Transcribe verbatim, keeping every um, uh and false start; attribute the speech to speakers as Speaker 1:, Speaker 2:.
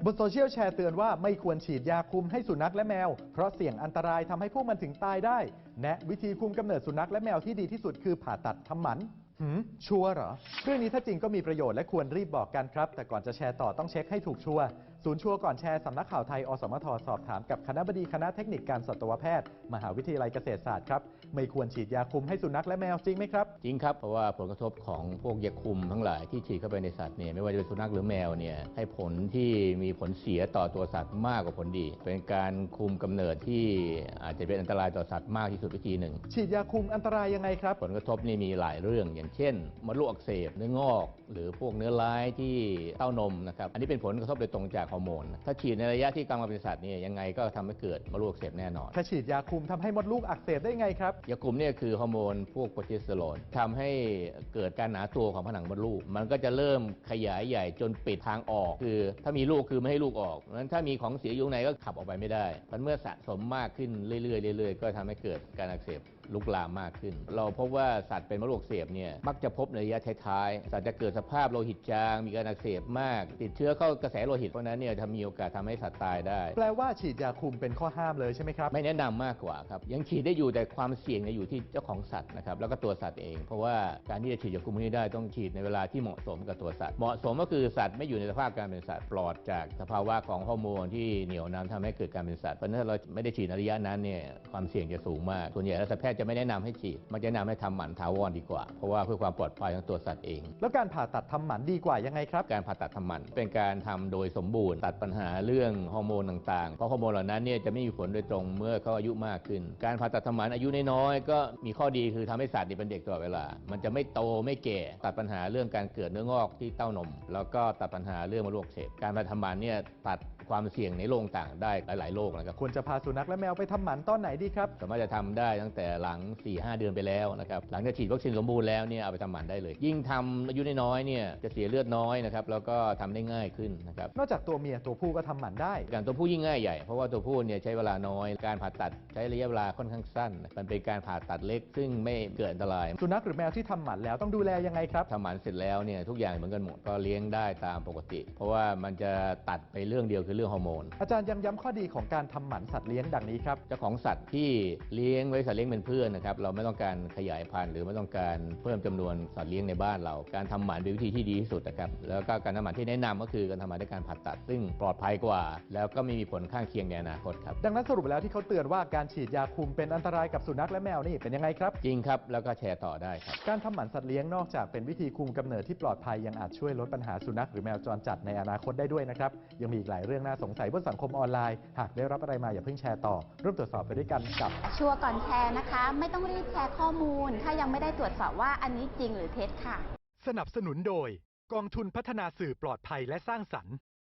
Speaker 1: บนโซเชียลแชร์เตือนว่าไม่ควรฉีดยาคุมให้สุนัขและแมวเพราะเสี่ยงอันตรายทำให้พวกมันถึงตายได้แนะวิธีคุมกำเนิดสุนัขและแมวที่ดีที่สุดคือผ่าตัดทำหมันหืมชัวร์เหรอเรื่องนี้ถ้าจริงก็มีประโยชน์และควรรีบบอกกันครับแต่ก่อนจะแชร์ต่อต้องเช็คให้ถูกชัวร์ศูนย์ชัวร์ก่อนแชร์สำนักข่าวไทยอสมทสอบถามกับคณบดีคณะเทคนิคการสัตวแพทย์มหาวิทยาลัยเกษตรศาสตร์ครับไม่ควรฉีดยาคุมให้สุนัขและแมวจริงไหมครับ
Speaker 2: จริงครับเพราะว่าผลกระทบของพวกยาคุมทั้งหลายที่ฉีดเข้าไปในสัตว์เนี่ยไม่ว่าจะเป็นสุนัขหรือแมวเนี่ยให้ผลที่มีผลเสียต่อตัวสัตว์มากกว่าผลดีเป็นการคุมกำเนิดที่อาจจะเป็นอันตรายต่อสัตว์มากที่สุดวิธีหนึ่ง
Speaker 1: ฉีดยาคุมอันตรายยังไงครับ
Speaker 2: ผลกระทบนี่มีหลายเรื่องอย่างเช่นมดลูกอักเสบเนื้องอกหรือพวกเนื้อร้ายที่เต้านมนะครับอันนี้เป็นผลกระทบโดยตรงจากฮอร์โมนถ้าฉีดในระยะที่กำลังเป็นสัตว์เนี่ยยังไงก็ทำให้เกิดมดลูกอักเสบแน่นอน
Speaker 1: ถ้าฉีดยาคุมทำให้มดลูกอักเสบได้ไงครับ
Speaker 2: ยาคุมเนี่ยคือฮอร์โมนพวกโปรเจสเตอโรนทำให้เกิดการหนาตัวของผนังมดลูกมันก็จะเริ่มขยายใหญ่จนปิดทางออกคือถ้ามีลูกคือไม่ให้ลูกออกเพราะฉะนั้นถ้ามีของเสียอยู่ในก็ขับออกไปไม่ได้เพราะเมื่อสะสมมากขึ้นเรื่อยๆเรื่อยๆก็ทำให้เกิดการอักเสบลุกลามมากขึ้นเราพบว่าสัตว์เป็นมดลูกอักเสบเนี่ยมักจะพบในระยะท้ายๆสัตว์จะเกิดสภาพโลหิตจางมีการอักเสบมากติดเชื้อเข้ากระแสโลหิตเพราะนั้นเนี่ยทำมีโอกาสทำให้สัตว์ตายได้
Speaker 1: แปลว่าฉีดยาคุมเป็นข้อห้ามเลยใช่ไหมครับ
Speaker 2: ไม่แนะนำมากกว่าครับยังฉีดได้อยู่แต่ความเสี่ยงอยู่ที่เจ้าของสัตว์นะครับแล้วก็ตัวสัตว์เองเพราะว่าการที่จะฉีดยาคุมนี้ได้ต้องฉีดในเวลาที่เหมาะสมกับตัวสัตว์เหมาะสมก็คือสัตว์ไม่อยู่ในสภาพการเป็นสัตว์ปลอดจากสภาวะของฮอร์โมนที่เหนี่ยวนำทำให้เกิดการเป็นสัตว์เพราะถ้าเราไม่ได้ฉีดในระยะนั้นเนี่ยความเสี่ยงจะสูงมากส่วนใหญ่แล้วสัตวแพทย์จะไม่แนะนำให้ฉีดมันจะแนะนำให้ทำหมันถาวรดีกว่าเพราะว่าเพื่อความปลอดภัยของตัวสัตว์เอง
Speaker 1: แล้วการผ่าตัดทำหมันดีกว่ายังไงครับ
Speaker 2: การผ่าตัดทำหมันเป็นการทำโดยสมบูรณ์ตัดปัญหาเรื่องฮอร์โมนต่างๆเพราะฮอร์โมนเหล่านั้นเนี่ยจะไม่มีผลโดยตรงเมื่อเขาอายุมากขึ้นการผ่าตัดทำหมันอายุน้อยๆก็มีข้อดีคือทำให้สัตว์เป็นเด็กตลอดเวลามันจะไม่โตไม่แก่ตัดปัญหาเรื่องการเกิดเนื้องอกที่เต้านมแล้วก็ตัดปัญหาเรื่องมดลูกอักเสบการผ่าตัดทำหมันเนี่ยตัดความเสี่ยงในโรคต่างได้หลายๆโรคนะครับ
Speaker 1: ควรจะพาสุนัขและแมวไปทำหมันตอนไหนดีครับ
Speaker 2: สามารถจะทำได้ตั้งแต่หลัง สี่ห้า เดือนไปแล้วนะครับหลังจากฉีดวัคซีนสมบูรณ์แล้วเนี่ยเอาไปทำหมันได้เลยยิ่งทำอายุน้อยๆเนี่ยจะเสียเลือดน้อยนะครับแล้วก็ทำได้ง่ายขึ้นนะครับ
Speaker 1: นอกจากตัวเมียตัวผู้ก็ทำหมันได้
Speaker 2: การตัวผู้ยิ่งง่ายใหญ่เพราะว่าตัวผู้เนี่ยใช้เวลาน้อยการผ่าตัดใช้ระยะเวลาค่อนข้างสั้นมันเป็นการผ่าตัดเล็กซึ่งไม่เกิดอันตราย
Speaker 1: สุนัขหรือแมวที่ทำหมันแล้วต้องดูแลยังไงครับ
Speaker 2: ทำหมันเสร็จแล้วเนี่ยทุกอย่างเหมือนกันหมดก็เลี้ยงได้ตามปกติเพราะว่ามันจะตัดไปเรื่องเดียวคือเรื่องฮอร์โมน
Speaker 1: อาจารย์ยังย้ำข้อดีของการทำหมันสัตว์เลี้ยงดังนี้ครับ
Speaker 2: เจ้าของสัตว์ที่เลี้ยงไว้สัตว์เลี้ยงเป็นเพื่อนนะครับเราไม่ต้องการขยายพันธุ์หรือไม่ต้องการเพิ่มจำนวนสัตว์เลี้ยงในบ้านเราการทำหมันเป็นวิธีที่ดีที่สุดนะครับแล้วก็การทำหมันที่แนะนำก็คือการทำหมันด้วยการผ่าตัดซึ่งปลอดภัยกว่าแล้วก็ไม่มีผลข้างเคียงในอนาคตครับ
Speaker 1: ดังนั้นสรุปแล้วที่เขาเตือนว่าการฉีดยาคุมเป็นอันตรายกับสุนัขและแมวนี่เป็นยังไงครับ
Speaker 2: จริงครับแล้วก็แชร์ต่อได้ครับ
Speaker 1: การทำหมันสัตว์เลี้ยงนอกจากเป็นวิธีคุมกำเนิดที่ปลอดภัยยังอาจช่วยลดปัญหาสุนัขหรือแมวจรจัดในอนาคตได้ด้วยนะครับยังมีอีกหลายเรื่องน่าสงสัยบนสังคมออนไลน์หากได้รับอะไรมาอย่าเพิ่งแชร์ต่อร่วมตรวจสอบไปด้วยกันกับ
Speaker 3: ชัวร์ก่อนแชร์นะคะไม่ต้องรีบแชร์ข้อมูลถ้ายังไม่ได้ตรวจสอบว่าอันนี้จริงหรือเท็จค่ะ
Speaker 1: สนับสนุนโดยกองทุนพัฒนาสื่อปลอดภัยและสร้างสรรค์